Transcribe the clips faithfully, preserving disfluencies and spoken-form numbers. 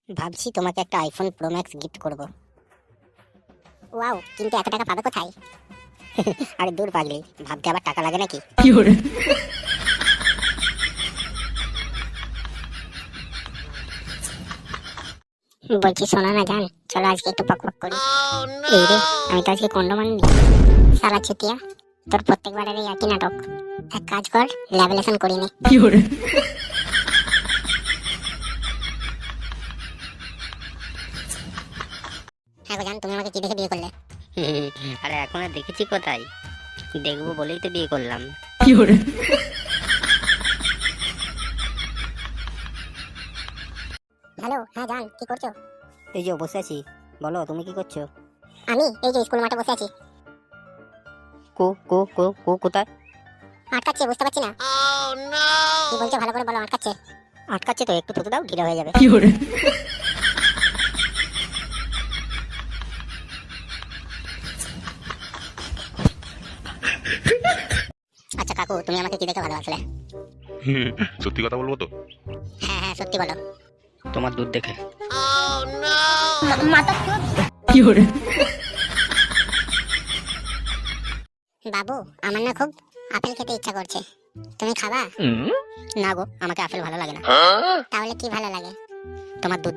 ভাবছি তোমাকে একটা আইফোন প্রো ম্যাক্স গিফট করব। ওয়াও, কিন্তু এত টাকা পাবে কোথায়? আরে দূর পাগলি, ভাবতে আবার টাকা লাগে নাকি? বলছি শোনো না জান, চলো আজকে একটু পক পক করি। এই রে, আমি তো আজকে কন্ডম আনিনি। সালা ছুটিয়া, তোর প্রত্যেকবারের এই একই নাটক। এক কাজ কর, ল্যাভেলেশন করি নে। হ্যাঁ গো জান, তুমি আমাকে কি দেখে বিয়ে করলে? আরে এখন আর দেখেছি কোথায়, দেখবো বলেই তো বিয়ে করলাম। হ্যালো, হ্যাঁ জান, কি করছো? এই যে বসে আছি, বলো তুমি কি করছো? আমি এই যে স্কুল মাঠে বসে আছি। কো কো কো কো কোথায়? আটকাচ্ছে, বুঝতে পারছি না। কি বলছো ভালো করে বলো, আটকাচ্ছে। আটকাচ্ছে তো, একটু থুতু দাও, ঢিলা হয়ে যাবে। আচ্ছা কাকু, তুমি আমাকে কি দেখে ভালোবাসলে? হুম, সত্যি কথা বলবো তো? হ্যাঁ হ্যাঁ, সত্যি বলো। তোমার দুধ দেখে। বাবু, আমার না খুব আপেল খেতে ইচ্ছা করছে, তুমি খাবা? না গো, আমাকে আপেল ভালো লাগে না। তাহলে কি ভালো লাগে? তোমার দুধ।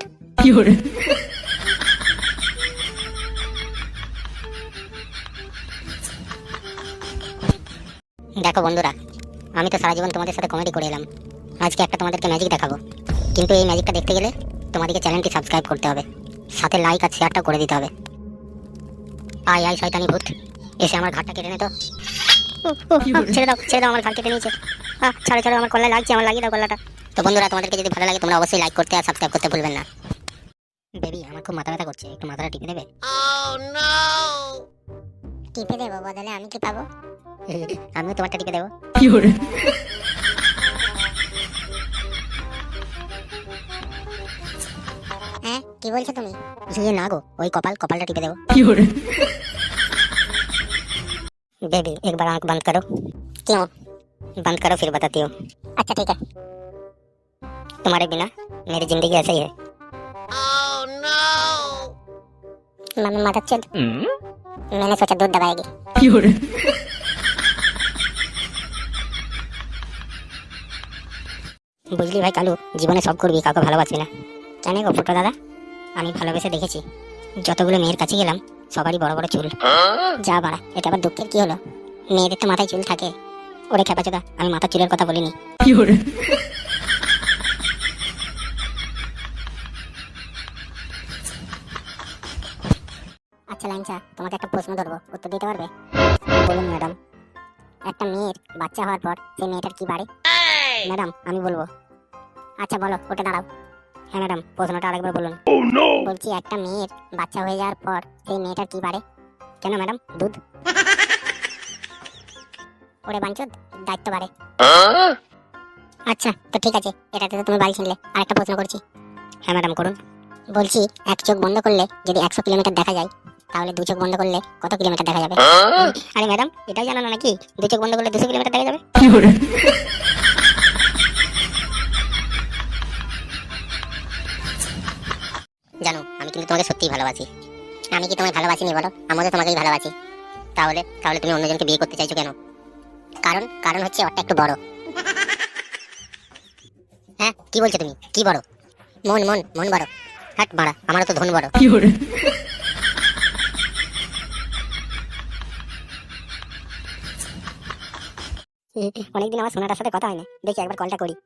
দেখো বন্ধুরা, আমি তো সারা জীবন তোমাদের সাথে কমেডি করে এলাম, আজকে একটা তোমাদেরকে ম্যাজিক দেখাবো। কিন্তু এই ম্যাজিকটা দেখতে গেলে তোমাদেরকে চ্যানেলটি সাবস্ক্রাইব করতে হবে, সাথে লাইক আর শেয়ারটা করে দিতে হবে। আয় আয় শয়তানি ভূত, এসে আমার ঘাটটা কেটে নে তো। উহ, উহ, আহ, ছেড়ে দাও ছেড়ে দাও, আমার ঘাট কেটে নিয়েছে। আহ, ছাড়ো ছাড়ো, আমার কল্লায় লাগছে, আমার লাগিয়ে দাও কল্লাটা। তো বন্ধুরা, তোমাদেরকে যদি ভালো লাগে তোমরা অবশ্যই লাইক করতে আর সাবস্ক্রাইব করতে ভুলবেন না। বেবি, আমার খুব মাথা ব্যথা করছে, একটু মাথাটা টিপে দেবে? টিপে দেবো, বদলে আমি কি পাবো? আমিও তোমারটা টিপে দেবো। হ্যাঁ, কি বলছো তুমি? ইয়ে না গো, ওই কপাল কপালটা টিপে দেবো। बेबी एक बार आंख बंद करो। क्यों? बंद करो फिर बताती हूँ। अच्छा ठीक है। तुम्हारे बिना मेरी जिंदगी ऐसे ही है। मम्मी मदद चल, मैंने सोचा दूध दबाएगी। বুঝলি ভাই কালু, জীবনে সব করবি, কাউকে ভালোবাসবি না। কেন গো ফুটো দাদা, আমি ভালোবেসে দেখেছি, যতগুলো মেয়ের কাছে গেলাম সবারই বড় বড় চুল। যা বাড়া, এটা আবার দুঃখের কি হলো? মেয়েদের তো মাথায় চুল থাকে। ওরে খেপাচোদা, আমি মাথার চুলের কথা বলিনি। আচ্ছা লাইনচা, তোমাকে একটা প্রশ্ন ধরবো, উত্তর দিতে পারবে? বলুন ম্যাডাম। একটা মেয়ের বাচ্চা হওয়ার পর সেই মেয়েটার কি বাড়ে? ম্যাডাম আমি বলবো। আচ্ছা বলো, ওটা দাঁড়াও। হ্যাঁ ম্যাডাম, প্রশ্নটা আরেকবার বলুন। বলছি একটা মেয়ের বাচ্চা হয়ে যাওয়ার পর সেই মেয়েটার কি বাড়ে? কেন ম্যাডাম? দুধ। ওরে বাঞ্চোদ, দায়িত্ব বাড়ে। আচ্ছা তো ঠিক আছে, এটাতে তো তুমি বাড়ি ছিনলে। আরেকটা প্রশ্ন করছি। হ্যাঁ ম্যাডাম করুন। বলছি এক চোখ বন্ধ করলে যদি একশো কিলোমিটার দেখা যায়, তাহলে দু চোখ বন্ধ করলে কত কিলোমিটার দেখা যাবে? আরে ম্যাডাম, এটাই জানো না নাকি? দু চোখ বন্ধ করলে দুশো কিলোমিটার দেখা যাবে। জানো, আমি কিন্তু তোমাকে সত্যিই ভালোবাসি। আমি কি তোমায় ভালোবাসিনি বলো? আমিও তো তোমাকেই ভালোবাসি। তাহলে তাহলে তুমি অন্যজনকে বিয়ে করতে চাইছো কেন? কারণ কারণ হচ্ছে ওটা একটু বড়। হ্যাঁ, কি বলছো তুমি? কি বড়? মন মন মন বড়। হাট মারা, আমারও তো ধন বড়। অনেকদিন আমার সোনাটার সাথে কথা হয় না, দেখি একবার কলটা করি।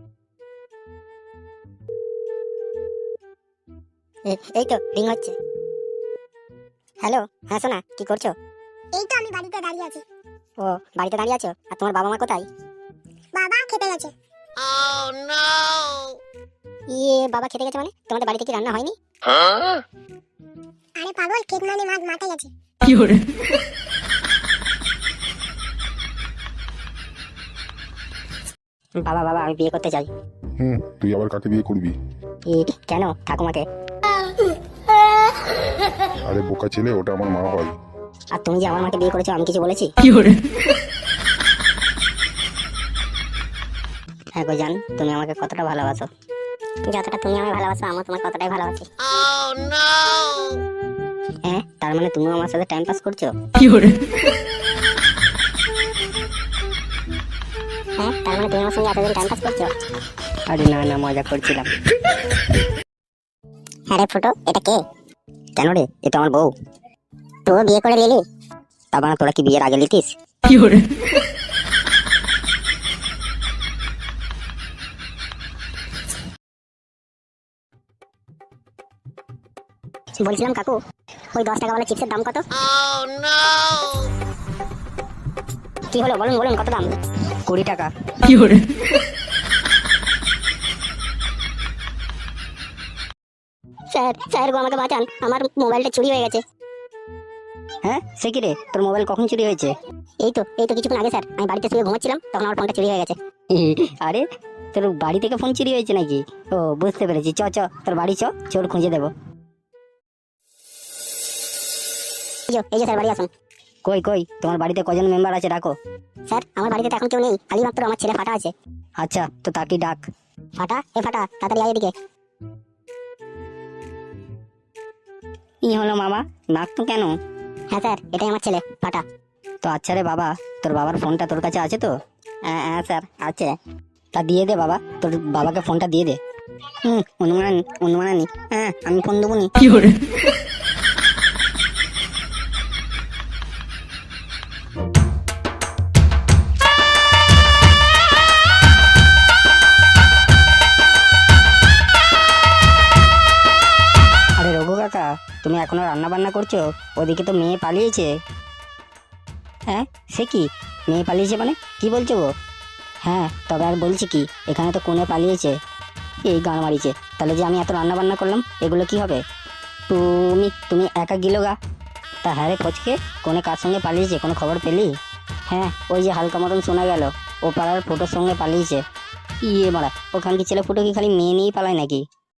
এ- এই তো রিং হচ্ছে। হ্যালো, হ্যাঁ সোনা, কি করছো? এই তো আমি বাড়িতে দাঁড়িয়ে আছি। ও, বাড়িতে দাঁড়িয়ে আছো? আর তোমার বাবা মা কোথায়? বাবা খেতে গেছে। ইয়ে, বাবা খেতে গেছে মানে? তোমাদের বাড়িতে কি রান্না হয়নি? আরে পাগল, খেত মানে মাঠ মাঠে গেছে। বাবা বাবা, আমি বিয়ে করতে চাই। হুম, তুই আবার কাকে বিয়ে করবি? ই, কেন? ঠাকুমাকে। আরে বোকা ছেলে, ওটা আমার মা হয়। আর তুমি যে আমার মাকে বিয়ে করেছো, আমি কিছু বলেছি? হ্যাঁ গো জান, তুমি আমাকে কতটা ভালোবাসো? যতটা তুমি আমায় ভালোবাসো আমিও তোমাকে ততটাই ভালোবাসি। হ্যাঁ, তার মানে তুমিও আমার সাথে টাইম পাস করছো? হ্যাঁ, তার মানে তুমি আমার সঙ্গে এতদিন টাইম পাস করছো? আরে না না, মজা করছিলাম। হ্যাঁ রে ফুটো, এটা কে? কেন রে, এ তো আমার বউ। তো বিয়ে করে নিলি? তা মানে তোরা কি বিয়ের আগে লিতিস? বলছিলাম কাকু, ওই দশ টাকা ওয়ালা চিপসের দাম কত? কি হলো বলুন বলুন, কত দাম? কুড়ি টাকা। স্যার স্যার গো, আমাকে বাঁচান, আমার মোবাইলটা চুরি হয়ে গেছে। হ্যাঁ, সে কি রে, তোর মোবাইল কখন চুরি হয়েছে? এই তো এই তো কিছুক্ষণ আগে স্যার, আমি বাড়িতে শুয়ে ঘুমাচ্ছিলাম, তখন আমার ফোনটা চুরি হয়ে গেছে। আরে, তোর বাড়ি থেকে ফোন চুরি হয়েছে নাকি? ও, বুঝতে পেরেছি। চ চ, তোর বাড়ি চ, চোর খুঁজে দেবো। এই যে এই যে স্যার, বাড়ি আসুন। কই কই, তোমার বাড়িতে কজন মেম্বার আছে ডাকো। স্যার আমার বাড়িতে তো এখন কেউ নেই, খালি মাত্র আমার ছেলে ফাটা আছে। আচ্ছা, তো তাকে ডাক। ফাটা, এ ফাটা, তাড়াতাড়ি আয় এদিকে। কি হলো মামা, ডাক তো কেন? হ্যাঁ স্যার, এটাই আমার ছেলে ফাটা। তো আচ্ছা রে বাবা, তোর বাবার ফোনটা তোর কাছে আছে তো? হ্যাঁ হ্যাঁ স্যার, আছে। তা দিয়ে দে বাবা, তোর বাবাকে ফোনটা দিয়ে দে। হুম, অনুমান অনুমানানি, হ্যাঁ আমি ফোন দেবো নি। আরে রঘু কাকা, তুমি এখনো রান্না বান্না করছো? ওদিকে তো মেয়ে পালিয়েছে। হ্যাঁ, সে কি, মেয়ে পালিয়েছে মানে কি বলছো গো? হ্যাঁ, তবে আর বলছি কি, এখানে তো কোণে পালিয়েছে। এই গান মারিছে, তাহলে যে আমি এত রান্না বান্না করলাম এগুলো কি হবে? তুমি তুমি একা গিলো গা। তা হ্যাঁ রে ফচকে, কোণে কার সঙ্গে পালিয়েছে, কোনো খবর পেলি? হ্যাঁ, ওই যে হালকা মতন শোনা গেল, ও পাড়ার ফুটোর সঙ্গে পালিয়েছে। ইয়ে মারা, ওখান কি ছেলে ফুটো কি খালি মেয়ে নিয়েই পালায় নাকি?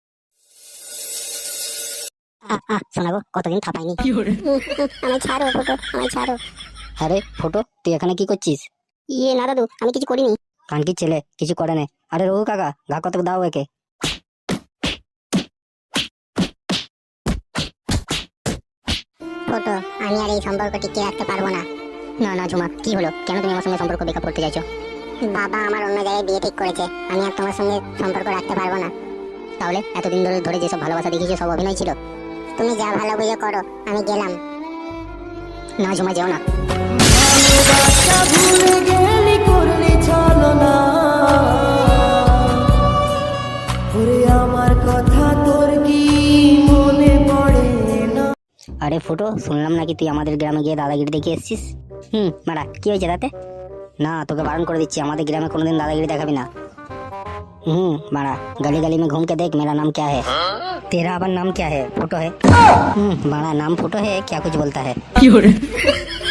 আহ আহ শোনা গো, কতদিন থাপাইনি। আমায় ছাড়ো ফুটো, আমায় ছাড়ো। হ্যাঁ রে ফটো, তুই এখানে কি করছিস? ইয়ে না দাদু, আমি কিছু করিনি। কানকি ছেলে, কিছু করে না। আরে রঘু কাকা, ঘা কত দাও একে। ফুটো, আমি আর এই সম্পর্ক টিকিয়ে রাখতে পারবো না। না না ঝুমা, কি হলো, কেন তুমি আমার সঙ্গে সম্পর্ক বেকআপ করতে চাইছো? বাবা আমার অন্য জায়গায় বিয়ে ঠিক করেছে, আমি আর তোমার সঙ্গে সম্পর্ক রাখতে পারবো না। তাহলে এতদিন ধরে ধরে যেসব ভালোবাসা দেখিয়েছো সব অভিনয় ছিল? তুমি যা ভালো বুঝে করো, আমি গেলাম। না ঝুমা, যেও না। আরে ফুটো, শুনলাম নাকি তুই আমাদের গ্রামে গিয়ে দাদাগিরি দেখে এসেছিস। হুম মারা, কি হয়েছে তাতে? না, তোকে বারণ করে দিচ্ছি, আমাদের গ্রামে কোনোদিন দাদাগিরি দেখাবি না। हम्म मारा, गली गली में घूम के देख मेरा नाम क्या है। तेरा अपन नाम क्या है? फोटो है। हम्म बड़ा नाम फोटो है, क्या कुछ बोलता है।